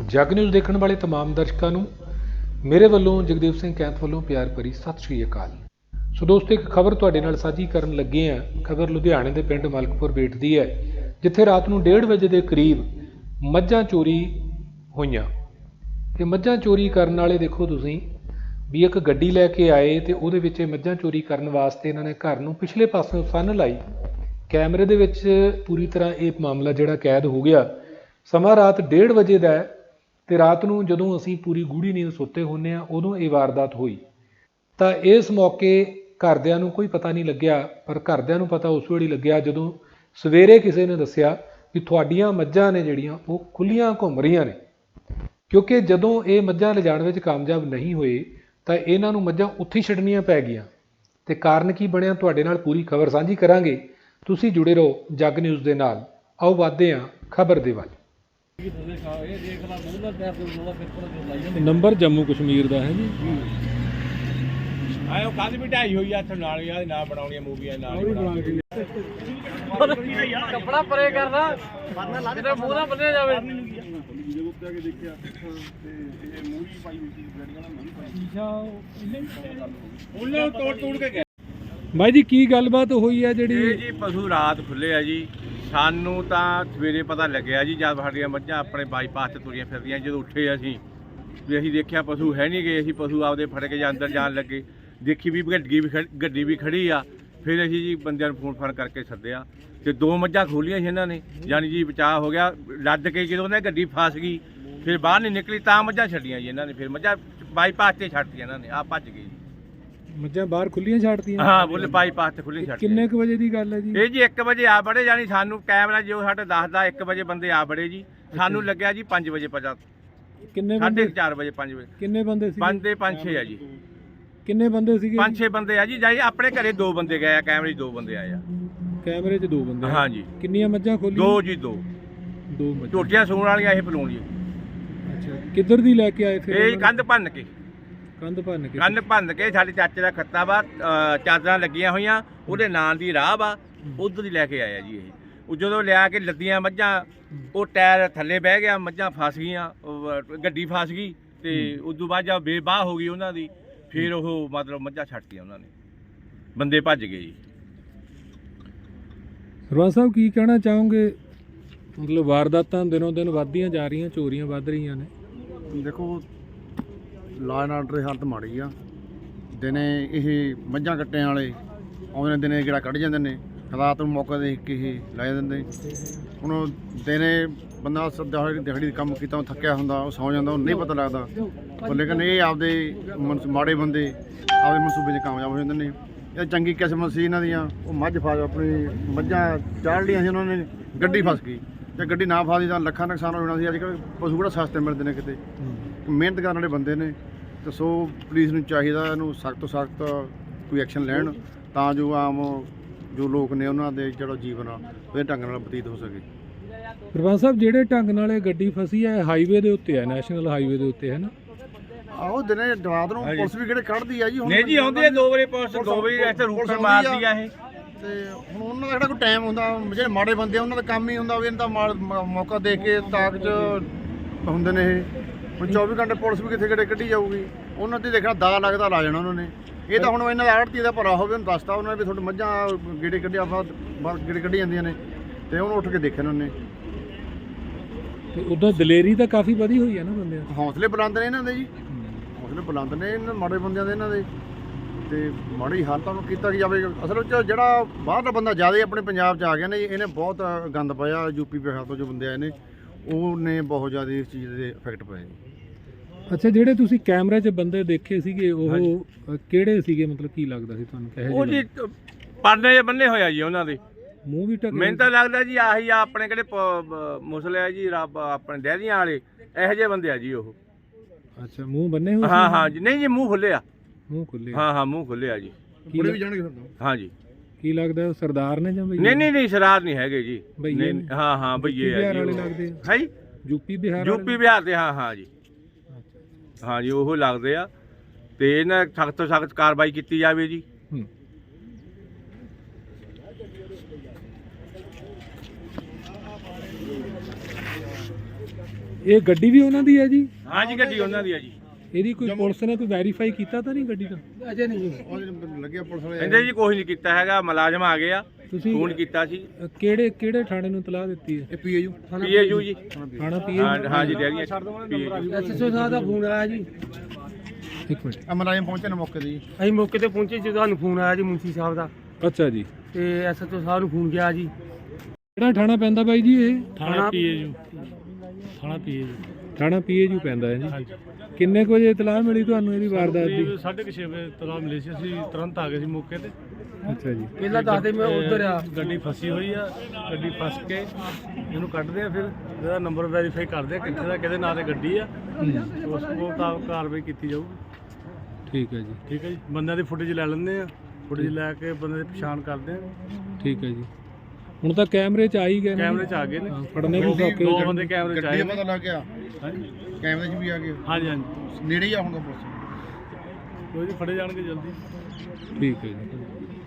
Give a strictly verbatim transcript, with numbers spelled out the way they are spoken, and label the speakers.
Speaker 1: ਜਗ ਨਿਊਜ਼ ਦੇਖਣ ਵਾਲੇ तमाम ਦਰਸ਼ਕਾਂ ਨੂੰ ਮੇਰੇ ਵੱਲੋਂ ਜਗਦੀਪ ਸਿੰਘ ਕੈਂਥ ਵੱਲੋਂ ਪਿਆਰ ਭਰੀ ਸਤਿ ਸ਼੍ਰੀ ਅਕਾਲ। ਸੋ ਦੋਸਤੋ, ਇੱਕ ਖਬਰ ਤੁਹਾਡੇ ਨਾਲ ਸਾਂਝੀ ਕਰਨ ਲੱਗੇ ਹਾਂ। ਖਬਰ ਲੁਧਿਆਣੇ ਦੇ ਪਿੰਡ ਮਲਕਪੁਰ ਬੇਟ ਦੀ ਹੈ, ਜਿੱਥੇ ਰਾਤ ਨੂੰ ਡੇਢ ਵਜੇ ਦੇ ਕਰੀਬ ਮੱਝਾਂ ਚੋਰੀ ਹੋਈਆਂ। ਤੇ ਮੱਝਾਂ ਚੋਰੀ ਕਰਨ ਵਾਲੇ ਦੇਖੋ ਤੁਸੀਂ ਵੀ ਇੱਕ ਗੱਡੀ ਲੈ ਕੇ ਆਏ ਤੇ ਉਹਦੇ ਵਿੱਚ ਮੱਝਾਂ ਚੋਰੀ ਕਰਨ ਵਾਸਤੇ ਇਹਨਾਂ ਨੇ ਘਰ ਨੂੰ ਪਿਛਲੇ ਪਾਸਿਓਂ ਸੰਨ ਲਾਈ। ਕੈਮਰੇ ਦੇ ਵਿੱਚ ਪੂਰੀ ਤਰ੍ਹਾਂ ਇਹ ਮਾਮਲਾ ਜਿਹੜਾ ਕੈਦ ਹੋ ਗਿਆ। ਸਮਾਂ ਰਾਤ ਡੇਢ ਵਜੇ ਦਾ ਹੈ ਤੇ ਰਾਤ ਨੂੰ ਜਦੋਂ ਅਸੀਂ ਪੂਰੀ ਗੂੜੀ ਨੀਂਦ ਸੁੱਤੇ ਹੁੰਦੇ ਹਾਂ ਉਦੋਂ ਇਹ ਵਾਰਦਾਤ ਹੋਈ। ਤਾਂ ਇਸ ਮੌਕੇ ਘਰਦਿਆਂ ਨੂੰ ਕੋਈ ਪਤਾ ਨਹੀਂ ਲੱਗਿਆ, ਪਰ ਘਰਦਿਆਂ ਨੂੰ ਪਤਾ ਉਸ ਵੇਲੇ ਲੱਗਿਆ ਜਦੋਂ ਸਵੇਰੇ ਕਿਸੇ ਨੇ ਦੱਸਿਆ ਵੀ ਤੁਹਾਡੀਆਂ ਮੱਝਾਂ ਨੇ ਜਿਹੜੀਆਂ ਉਹ ਖੁੱਲੀਆਂ ਘੁੰਮ ਰਹੀਆਂ ਨੇ। ਕਿਉਂਕਿ ਜਦੋਂ ਇਹ ਮੱਝਾਂ ਲਿਜਾਣ ਵਿੱਚ ਕਾਮਯਾਬ ਨਹੀਂ ਹੋਏ ਤਾਂ ਇਹਨਾਂ ਨੂੰ ਮੱਝਾਂ ਉੱਥੇ ਛੱਡਣੀਆਂ ਪੈ ਗਈਆਂ। ਤੇ ਕਾਰਨ ਕੀ ਬਣਿਆ, ਤੁਹਾਡੇ ਨਾਲ ਪੂਰੀ ਖਬਰ ਸਾਂਝੀ ਕਰਾਂਗੇ। ਤੁਸੀਂ ਜੁੜੇ ਰਹੋ ਜਗ ਨਿਊਜ਼ ਦੇ ਨਾਲ। ਆਓ ਵਧਦੇ ਹਾਂ ਖਬਰ ਦੇ ਵੱਲ। ਨੰਬਰ ਜੰਮੂ ਕਸ਼ਮੀਰ ਦਾ ਹੈ ਜੀ।
Speaker 2: ਆਇਓ ਕੱਲ ਵੀ ਢਾਈ ਹੋਈ ਆ ਇੱਥੇ ਨਾਲ ਯਾਰ ਨਾ ਬਣਾਉਣੀਆਂ ਮੂਵੀਆਂ ਨਾਲ
Speaker 3: ਕੱਪੜਾ ਪਰੇ ਕਰਦਾ ਕਿਤੇ ਮੂੰਹ ਨਾ ਬੰਨਿਆ ਜਾਵੇ।
Speaker 2: ਜਦੋਂ ਉੱਤੇ ਆ ਕੇ ਦੇਖਿਆ ਤੇ ਇਹ ਮੂਵੀ ਪਾਈ ਹੋਈ ਸੀ ਗੱਡੀਆਂ ਨਾਲ ਮੂਵੀ ਪਾਈ ਸ਼ੀਸ਼ਾ ਉਹਨੇ ਤੋੜ ਤੋੜ ਕੇ ਗਏ।
Speaker 1: ਬਾਈ ਜੀ ਕੀ ਗੱਲਬਾਤ ਹੋਈ ਹੈ ਜਿਹੜੀ?
Speaker 2: ਇਹ ਜੀ ਪਸ਼ੂ ਰਾਤ ਖੁੱਲੇ ਆ ਜੀ। ਸਾਨੂੰ ਤਾਂ ਸਵੇਰੇ ਪਤਾ ਲੱਗਿਆ ਜੀ ਜਦ ਸਾਡੀਆਂ ਮੱਝਾਂ ਆਪਣੇ ਬਾਈਪਾਸ ਤੇ ਤੁਰੀਆਂ ਫਿਰਦੀਆਂ। ਜਦੋਂ ਉੱਠੇ ਅਸੀਂ ਵੀ ਅਸੀਂ ਦੇਖਿਆ ਪਸ਼ੂ ਹੈ ਨਹੀਂ ਗਏ। ਅਸੀਂ ਪਸ਼ੂ ਆਪਦੇ ਫੜ ਕੇ ਜਾਂ ਅੰਦਰ ਜਾਣ ਲੱਗੇ, ਦੇਖੀ ਵੀ ਗੱਡੀ ਵੀ ਗੱਡੀ ਵੀ ਖੜੀ ਆ। ਫਿਰ ਅਸੀਂ ਜੀ ਬੰਦਿਆਂ ਨੂੰ ਫੋਨ ਫਾਨ ਕਰਕੇ ਸੱਦਿਆ ਤੇ ਦੋ ਮੱਝਾਂ ਖੋਲੀਆਂ ਸੀ ਇਹਨਾਂ ਨੇ, ਯਾਨੀ ਜੀ ਬਚਾਅ ਹੋ ਗਿਆ। ਲੱਦ ਕੇ ਜਦੋਂ ਉਹਨਾਂ ਗੱਡੀ ਫਸ ਗਈ ਫਿਰ ਬਾਹਰ ਨਹੀਂ ਨਿਕਲੀ ਤਾਂ ਮੱਝਾਂ ਛੱਡੀਆਂ ਜੀ ਇਹਨਾਂ ਨੇ। ਫਿਰ ਮੱਝਾਂ ਬਾਈਪਾਸ ਤੇ ਛੱਡਤੀਆਂ ਇਹਨਾਂ ਨੇ, ਆ ਭੱਜ ਗਏ ਜੀ।
Speaker 1: ਮੱਝਾਂ ਬਾਹਰ ਖੁੱਲੀਆਂ ਛੱਡਤੀਆਂ?
Speaker 2: ਹਾਂ ਬੋਲੇ ਬਾਈਪਾਸ ਤੇ ਖੁੱਲੀਆਂ ਛੱਡਤੀਆਂ।
Speaker 1: ਕਿੰਨੇ ਕੁ ਵਜੇ ਦੀ ਗੱਲ ਹੈ ਜੀ
Speaker 2: ਇਹ? ਜੀ ਇੱਕ ਵਜੇ ਆ ਬੜੇ, ਯਾਨੀ ਸਾਨੂੰ ਕੈਮਰਾ ਜੋ ਸਾਡੇ ਦੱਸਦਾ ਇੱਕ ਵਜੇ ਬੰਦੇ ਆ ਬੜੇ ਜੀ। ਸਾਨੂੰ ਲੱਗਿਆ ਜੀ ਪੰਜ ਵਜੇ ਪਤਾ।
Speaker 1: ਕਿੰਨੇ
Speaker 2: ਸਾਢੇ
Speaker 1: ਬੰਦੇ?
Speaker 2: ਚਾਰ ਵਜੇ ਪੰਜ ਵਜੇ।
Speaker 1: ਕਿੰਨੇ ਬੰਦੇ ਸੀ?
Speaker 2: ਪੰਜ ਤੇ ਪੰਜ ਛੇ ਆ ਜੀ।
Speaker 1: ਕਿੰਨੇ ਬੰਦੇ ਸੀਗੇ?
Speaker 2: ਪੰਜ ਛੇ ਬੰਦੇ ਆ ਜੀ। ਜਾਈ ਆਪਣੇ ਘਰੇ ਦੋ ਬੰਦੇ ਗਏ ਆ, ਕੈਮਰੇ 'ਚ ਦੋ ਬੰਦੇ ਆਏ ਆ।
Speaker 1: ਕੈਮਰੇ 'ਚ ਦੋ ਬੰਦੇ?
Speaker 2: ਹਾਂ ਜੀ।
Speaker 1: ਕਿੰਨੀਆਂ ਮੱਝਾਂ ਖੋਲੀਆਂ?
Speaker 2: ਦੋ ਜੀ, ਦੋ
Speaker 1: ਦੋ ਮੱਝਾਂ।
Speaker 2: ਝੋਟੀਆਂ ਸੂਣ ਵਾਲੀਆਂ ਇਹ ਪਲੂਣ ਜੀ।
Speaker 1: ਅੱਛਾ, ਕਿੱਧਰ ਦੀ ਲੈ ਕੇ ਆਏ ਫਿਰ?
Speaker 2: ਇਹ ਕੰਧ ਭੰਨ ਕੇ
Speaker 1: ਕੰਧ ਭੰਨ ਕੇ?
Speaker 2: ਕੰਧ ਭੰਨ ਕੇ ਸਾਡੇ ਚਾਚੇ ਦਾ ਖੱਤਾ ਵਾ, ਚਾਦਰਾਂ ਲੱਗੀਆਂ ਹੋਈਆਂ ਉਹਦੇ ਨਾਂ ਦੀ ਰਾਹ ਵਾ, ਉਧਰ ਦੀ ਲੈ ਕੇ ਆਇਆ ਜੀ ਇਹ। ਉਹ ਜਦੋਂ ਲਿਆ ਕੇ ਲੱਦੀਆਂ ਮੱਝਾਂ, ਉਹ ਟਾਇਰ ਥੱਲੇ ਬਹਿ ਗਿਆ, ਮੱਝਾਂ ਫਸ ਗਈਆਂ, ਗੱਡੀ ਫਸ ਗਈ ਤੇ ਉਦੋਂ ਬਾਅਦ ਜਦ ਬੇਬਾਹ ਹੋ ਗਈ ਉਹਨਾਂ ਦੀ, ਫਿਰ ਉਹ ਮਤਲਬ ਮੱਝਾਂ ਛੱਡਤੀਆਂ ਉਹਨਾਂ ਨੇ, ਬੰਦੇ ਭੱਜ ਗਏ ਜੀ।
Speaker 1: ਸਰਪੰਚ ਸਾਹਿਬ ਕੀ ਕਹਿਣਾ ਚਾਹੋਗੇ? ਮਤਲਬ ਵਾਰਦਾਤਾਂ ਦਿਨੋਂ ਦਿਨ ਵੱਧਦੀਆਂ ਜਾ ਰਹੀਆਂ, ਚੋਰੀਆਂ ਵੱਧ ਰਹੀਆਂ ਨੇ।
Speaker 4: ਦੇਖੋ, ਲਾਅ ਐਂਡ ਆਰਡਰ ਦੀ ਹਾਲਤ ਮਾੜੀ ਆ। ਦਿਨੇ ਇਹ ਮੱਝਾਂ ਕੱਟਿਆਂ ਵਾਲੇ ਆਉਂਦੇ ਨੇ, ਦਿਨੇ ਜਿਹੜਾ ਕੱਢ ਜਾਂਦੇ ਨੇ, ਰਾਤ ਨੂੰ ਮੌਕਾ ਦੇਖ ਕੇ ਇਹ ਲੈ ਜਾਂਦੇ। ਹੁਣ ਦਿਨੇ ਬੰਦਾ ਦਿਹਾੜੀ ਦਿਹਾੜੀ ਕੰਮ ਕੀਤਾ ਥੱਕਿਆ ਹੁੰਦਾ, ਉਹ ਸੌਂ ਜਾਂਦਾ, ਉਹਨੂੰ ਨਹੀਂ ਪਤਾ ਲੱਗਦਾ। ਪਰ ਲੇਕਿਨ ਇਹ ਆਪਦੇ ਮਨ ਮਾੜੇ ਬੰਦੇ ਆਪਦੇ ਮਨਸੂਬੇ 'ਚ ਕਾਮਯਾਬ ਹੋ ਜਾਂਦੇ ਨੇ। ਇਹ ਚੰਗੀ ਕਿਸਮਤ ਸੀ ਇਹਨਾਂ ਦੀਆਂ। ਉਹ ਮੱਝ ਫਸ ਆਪਣੀ ਮੱਝਾਂ ਚਾੜ ਲਈਆਂ ਸੀ ਉਹਨਾਂ ਨੇ, ਗੱਡੀ ਫਸ ਗਈ। ਜੇ ਗੱਡੀ ਨਾ ਫਸਦੀ ਤਾਂ ਲੱਖਾਂ ਨੁਕਸਾਨ ਹੋ ਜਾਣਾ ਸੀ। ਅੱਜ ਕੱਲ੍ਹ ਪਸ਼ੂ ਕਿਹੜਾ ਸਸਤੇ ਮਿਲਦੇ ਨੇ ਕਿਤੇ, ਮਿਹਨਤ ਕਰਨ ਵਾਲੇ ਬੰਦੇ ਨੇ। ਤੇ ਸੋ ਪੁਲਿਸ ਨੂੰ ਚਾਹੀਦਾ ਇਹਨੂੰ ਸਖਤ ਤੋਂ ਸਖਤ ਕੋਈ ਐਕਸ਼ਨ ਲੈਣ, ਤਾਂ ਜੋ ਆਮ ਜੋ ਲੋਕ ਨੇ ਉਹਨਾਂ ਦੇ ਜਿਹੜਾ ਜੀਵਨ ਆ ਉਹਦੇ ਢੰਗ ਨਾਲ ਬਤੀਤ ਹੋ ਸਕੇ।
Speaker 1: ਸਰਪੰਚ ਸਾਹਿਬ, ਜਿਹੜੇ ਢੰਗ ਨਾਲ ਇਹ ਗੱਡੀ ਫਸੀ ਹੈ ਹਾਈਵੇ ਦੇ ਉੱਤੇ ਹੈ, ਨੈਸ਼ਨਲ ਹਾਈਵੇ ਦੇ ਉੱਤੇ ਹੈ ਨਾ?
Speaker 4: ਆਹੋ, ਦਿਨੇ ਰਾਤ ਨੂੰ ਪੁਲਿਸ ਵੀ ਕਿਹੜੇ ਕੱਢਦੀ ਆ ਜੀ।
Speaker 2: ਨਹੀਂ ਜੀ, ਆਉਂਦੀ ਹੈ ਦੋ ਵਜੇ ਪੁਲਿਸ, ਦੋ ਵਜੇ ਇੱਥੇ ਰੂਟ ਮਾਰਦੀ ਆ ਇਹ।
Speaker 4: ਤੇ ਹੁਣ ਉਹਨਾਂ ਦਾ ਜਿਹੜਾ ਕੋਈ ਟਾਈਮ ਹੁੰਦਾ, ਜਿਹੜੇ ਮਾੜੇ ਬੰਦੇ ਉਹਨਾਂ ਦਾ ਕੰਮ ਹੀ ਹੁੰਦਾ ਵੀ ਇਹਨਾਂ ਦਾ ਮੌਕਾ ਦੇਖ ਕੇ ਤਾਕ 'ਚ ਹੁੰਦੇ ਨੇ ਇਹ। ਹੁਣ ਚੌਵੀ ਘੰਟੇ ਪੁਲਿਸ ਵੀ ਕਿੱਥੇ ਕਿਹੜੇ ਕੱਢੀ ਜਾਊਗੀ, ਉਹਨਾਂ ਤੇ ਦੇਖਣਾ ਦਾ ਲੱਗਦਾ ਲਾ ਜਾਣਾ ਉਹਨਾਂ ਨੇ। ਇਹ ਤਾਂ ਹੁਣ ਇਹਨਾਂ ਦਾ ਆੜਤੀ ਦਾ ਭਰਾ ਹੋਵੇ, ਉਹਨੂੰ ਦੱਸਤਾ ਉਹਨਾਂ ਨੇ ਵੀ ਤੁਹਾਡੀ ਮੱਝਾਂ ਗੇੜੇ ਕੱਢਿਆ ਬਾਹਰ ਗੇੜੇ ਕੱਢੀ ਜਾਂਦੀਆਂ ਨੇ, ਤੇ ਉਹਨੂੰ ਉੱਠ ਕੇ ਦੇਖਿਆ ਉਹਨਾਂ ਨੇ।
Speaker 1: ਤੇ ਉੱਦਾਂ ਦਲੇਰੀ ਤਾਂ ਕਾਫੀ ਵਧੀ ਹੋਈ ਹੈ ਨਾ ਬੰਦਿਆਂ ਦੀ।
Speaker 4: ਹੌਸਲੇ ਬੁਲੰਦ ਨੇ ਇਹਨਾਂ ਦੇ ਜੀ, ਹੌਸਲੇ ਬੁਲੰਦ ਨੇ ਇਹਨਾਂ ਮਾੜੇ ਬੰਦਿਆਂ ਦੇ ਇਹਨਾਂ ਦੇ। ਤੇ ਮਾੜੀ ਹਾਲਤਾਂ ਨੂੰ ਕੀਤਾ ਕੀ ਜਾਵੇ। ਅਸਲ ਵਿੱਚ ਜਿਹੜਾ ਬਾਹਰਲਾ ਬੰਦਾ ਜ਼ਿਆਦਾ ਆਪਣੇ ਪੰਜਾਬ 'ਚ ਆ ਗਿਆ ਨੇ, ਇਹਨੇ ਬਹੁਤ ਗੰਦ ਪਾਇਆ। ਯੂਪੀ ਬਿਹਾਰ ਤੋਂ ਜੋ ਬੰਦੇ ਆਏ ਨੇ ਉਹਨੇ ਬਹੁਤ ਜ਼ਿਆਦਾ ਇਸ ਚੀਜ਼ ਦੇ ਇਫੈਕਟ ਪਏ।
Speaker 1: ਅੱਛਾ, ਜਿਹੜੇ ਤੁਸੀਂ ਕੈਮਰੇ 'ਚ ਬੰਦੇ ਦੇਖੇ ਸੀਗੇ ਉਹ ਕਿਹੜੇ ਸੀਗੇ? ਮਤਲਬ ਕੀ ਲੱਗਦਾ ਸੀ ਤੁਹਾਨੂੰ? ਕਹੇ
Speaker 2: ਉਹ ਜੀ ਪਰਨੇ ਜਿਹੇ ਬੰਨੇ ਹੋਇਆ ਜੀ ਉਹਨਾਂ ਦੇ,
Speaker 1: ਮੂੰਹ ਵੀ ਢੱਕੇ?
Speaker 2: ਮੈਨੂੰ ਤਾਂ ਲੱਗਦਾ ਜੀ ਆਹੀ ਆ ਆਪਣੇ ਕਿਹੜੇ ਮੁਸਲੇ ਆ ਜੀ, ਰੱਬ ਆਪਣੇ ਡੈਰੀਆਂ ਵਾਲੇ, ਇਹੋ ਜਿਹੇ ਬੰਦੇ ਆ ਜੀ ਉਹ।
Speaker 1: ਅੱਛਾ, ਮੂੰਹ ਬੰਨੇ ਹੋਏ?
Speaker 2: ਹਾਂ ਹਾਂ ਜੀ। ਨਹੀਂ ਜੀ, ਮੂੰਹ ਖੁੱਲਿਆ।
Speaker 1: ਮੂੰਹ ਖੁੱਲੇ?
Speaker 2: ਹਾਂ ਹਾਂ, ਮੂੰਹ ਖੁੱਲਿਆ ਜੀ।
Speaker 4: ਕੁੜੇ ਵੀ ਜਾਣਗੇ ਫਿਰ?
Speaker 2: ਹਾਂ ਜੀ।
Speaker 1: ਕੀ ਲੱਗਦਾ ਉਹ ਸਰਦਾਰ ਨੇ ਜਾਂ ਭਈਏ?
Speaker 2: ਨਹੀਂ ਨਹੀਂ ਨਹੀਂ, ਸਰਦਾਰ ਨਹੀਂ ਹੈਗੇ ਜੀ।
Speaker 1: ਭਈਏ?
Speaker 2: ਹਾਂ ਹਾਂ, ਭਈਏ ਆ ਜੀ।
Speaker 1: ਲੱਗਦੇ
Speaker 2: ਹੈ ਜੀ,
Speaker 1: ਯੂਪੀ ਬਿਹਾਰ?
Speaker 2: ਯੂਪੀ ਬਿਹਾਰ ਦੇ। ਹਾਂ ਹਾਂ ਜੀ, ਹਾਂ ਜੀ, ਉਹ ਲੱਗਦੇ ਆ। ਤੇ ਇਹਨਾਂ ਸਖਤ ਤੋਂ ਸਖਤ ਕਾਰਵਾਈ ਕੀਤੀ ਜਾਵੇ ਜੀ।
Speaker 1: ਇਹ ਗੱਡੀ ਵੀ ਉਹਨਾਂ ਦੀ ਹੈ ਜੀ?
Speaker 2: ਹਾਂਜੀ ਗੱਡੀ ਉਹਨਾਂ ਦੀ ਆ ਜੀ।
Speaker 1: ਇਹਦੀ ਕੋਈ ਪੁਲਿਸ ਨੇ ਕੋਈ ਵੈਰੀਫਾਈ ਕੀਤਾ ਤਾਂ ਨਹੀਂ ਗੱਡੀ ਦਾ?
Speaker 3: ਅਜੇ ਨਹੀਂ
Speaker 4: ਉਹਦੇ ਲੱਗਿਆ ਪੁਲਿਸ ਵਾਲੇ
Speaker 2: ਕਹਿੰਦੇ ਜੀ ਕੁਛ ਨਹੀਂ ਕੀਤਾ ਹੈਗਾ, ਮੁਲਾਜ਼ਮ ਆ ਗਏ ਆ,
Speaker 1: ਤੁਸੀਂ
Speaker 2: ਫੋਨ ਕੀਤਾ ਸੀ।
Speaker 1: ਅ, ਕਿਹੜੇ ਕਿਹੜੇ ਥਾਣੇ ਨੂੰ ਤਲਾਹ ਦਿੱਤੀ ਹੈ?
Speaker 4: ਇਹ ਪੀਏਯੂ
Speaker 2: ਪੀਏਯੂ ਜੀ।
Speaker 1: ਥਾਣਾ ਪੀਏ?
Speaker 2: ਹਾਂ ਹਾਂ ਜੀ ਡੈਰੀ
Speaker 3: ਐਸਐਸਓ ਸਾਹਿਬ ਦਾ ਫੋਨ ਆਇਆ ਜੀ।
Speaker 1: ਇੱਕ ਮਿੰਟ।
Speaker 4: ਅਮਰਾਇਮ ਪਹੁੰਚੇ ਨੇ ਮੌਕੇ ਤੇ ਜੀ।
Speaker 3: ਅਸੀਂ ਮੌਕੇ ਤੇ ਪਹੁੰਚੇ ਜਦੋਂ ਸਾਨੂੰ ਫੋਨ ਆਇਆ ਜੀ ਮੁੰਸ਼ੀ ਸਾਹਿਬ ਦਾ,
Speaker 1: ਅੱਛਾ ਜੀ।
Speaker 3: ਤੇ ਐਸਐਸਓ ਸਾਹਿਬ ਨੂੰ ਫੋਨ ਗਿਆ ਜੀ।
Speaker 1: ਕਿਹੜਾ ਥਾਣਾ ਪੈਂਦਾ ਬਾਈ ਜੀ ਇਹ?
Speaker 3: ਥਾਣਾ ਪੀਏਯੂ। ਥਾਣਾ ਪੀਏਯੂ।
Speaker 1: ਥਾਣਾ ਪੀਏਯੂ ਪੈਂਦਾ ਹੈ ਜੀ। ਕਿੰਨੇ ਕੁ ਵਜੇ ਇਤਲਾਹ ਮਿਲੀ ਤੁਹਾਨੂੰ ਇਹਦੀ ਵਾਰਦਾਤ ਦੀ?
Speaker 5: ਸਾਢੇ ਕੁ ਛੇ ਵਜੇ ਤਲਾਹ ਮਿਲੀ ਸੀ, ਅਸੀਂ ਤੁਰੰਤ ਆ ਗਏ ਸੀ ਮੌਕੇ ਤੇ।
Speaker 1: ਅੱਛਾ ਜੀ।
Speaker 3: ਪਹਿਲਾਂ ਦੱਸਦੇ ਮੈਂ ਉੱਧਰ ਆ।
Speaker 5: ਗੱਡੀ ਫਸੀ ਹੋਈ ਆ, ਗੱਡੀ ਫਸ ਕੇ ਇਹਨੂੰ ਕੱਢਦੇ ਆ, ਫਿਰ ਇਹਦਾ ਨੰਬਰ ਵੈਰੀਫਾਈ ਕਰਦੇ ਆ ਕਿੱਥੇ ਦਾ ਕਿਹਦੇ ਨਾਂ ਤੇ ਗੱਡੀ ਆ, ਉਸ ਮੁਤਾਬਕ ਕਾਰਵਾਈ ਕੀਤੀ ਜਾਊਗੀ।
Speaker 1: ਠੀਕ ਹੈ ਜੀ।
Speaker 5: ਠੀਕ ਹੈ ਜੀ। ਬੰਦਿਆਂ ਦੀ ਫੁਟੇਜ ਲੈ ਲੈਂਦੇ ਆ, ਫੁਟੇਜ ਲੈ ਕੇ ਬੰਦੇ ਦੀ ਪਛਾਣ ਕਰਦੇ ਆ।
Speaker 1: ਠੀਕ ਹੈ ਜੀ। ਹੁਣ ਤਾਂ ਕੈਮਰੇ 'ਚ ਆ ਹੀ ਗਏ ਨੇ।
Speaker 5: ਕੈਮਰੇ 'ਚ ਆ ਗਏ ਨੇ,
Speaker 1: ਹਾਂ, ਫੜਨੇ ਵੀ ਸੌਖੇ
Speaker 5: ਦੋ
Speaker 1: ਹੋ
Speaker 5: ਬੰਦੇ ਕੈਮਰੇ 'ਚ ਆਏ
Speaker 4: ਗੱਡੀ
Speaker 5: ਨੇ।
Speaker 4: ਪਤਾ ਲੱਗ ਗਿਆ,
Speaker 5: ਹਾਂਜੀ
Speaker 4: ਕੈਮਰੇ 'ਚ ਵੀ ਆ ਗਏ,
Speaker 5: ਹਾਂਜੀ ਹਾਂਜੀ
Speaker 4: ਨੇੜੇ ਹੀ ਆ ਹੁਣ ਤਾਂ ਪੁਲਿਸ।
Speaker 5: ਕੋਈ ਨਹੀਂ, ਫੜੇ ਜਾਣਗੇ ਜਲਦੀ।
Speaker 1: ਠੀਕ ਹੈ ਜੀ।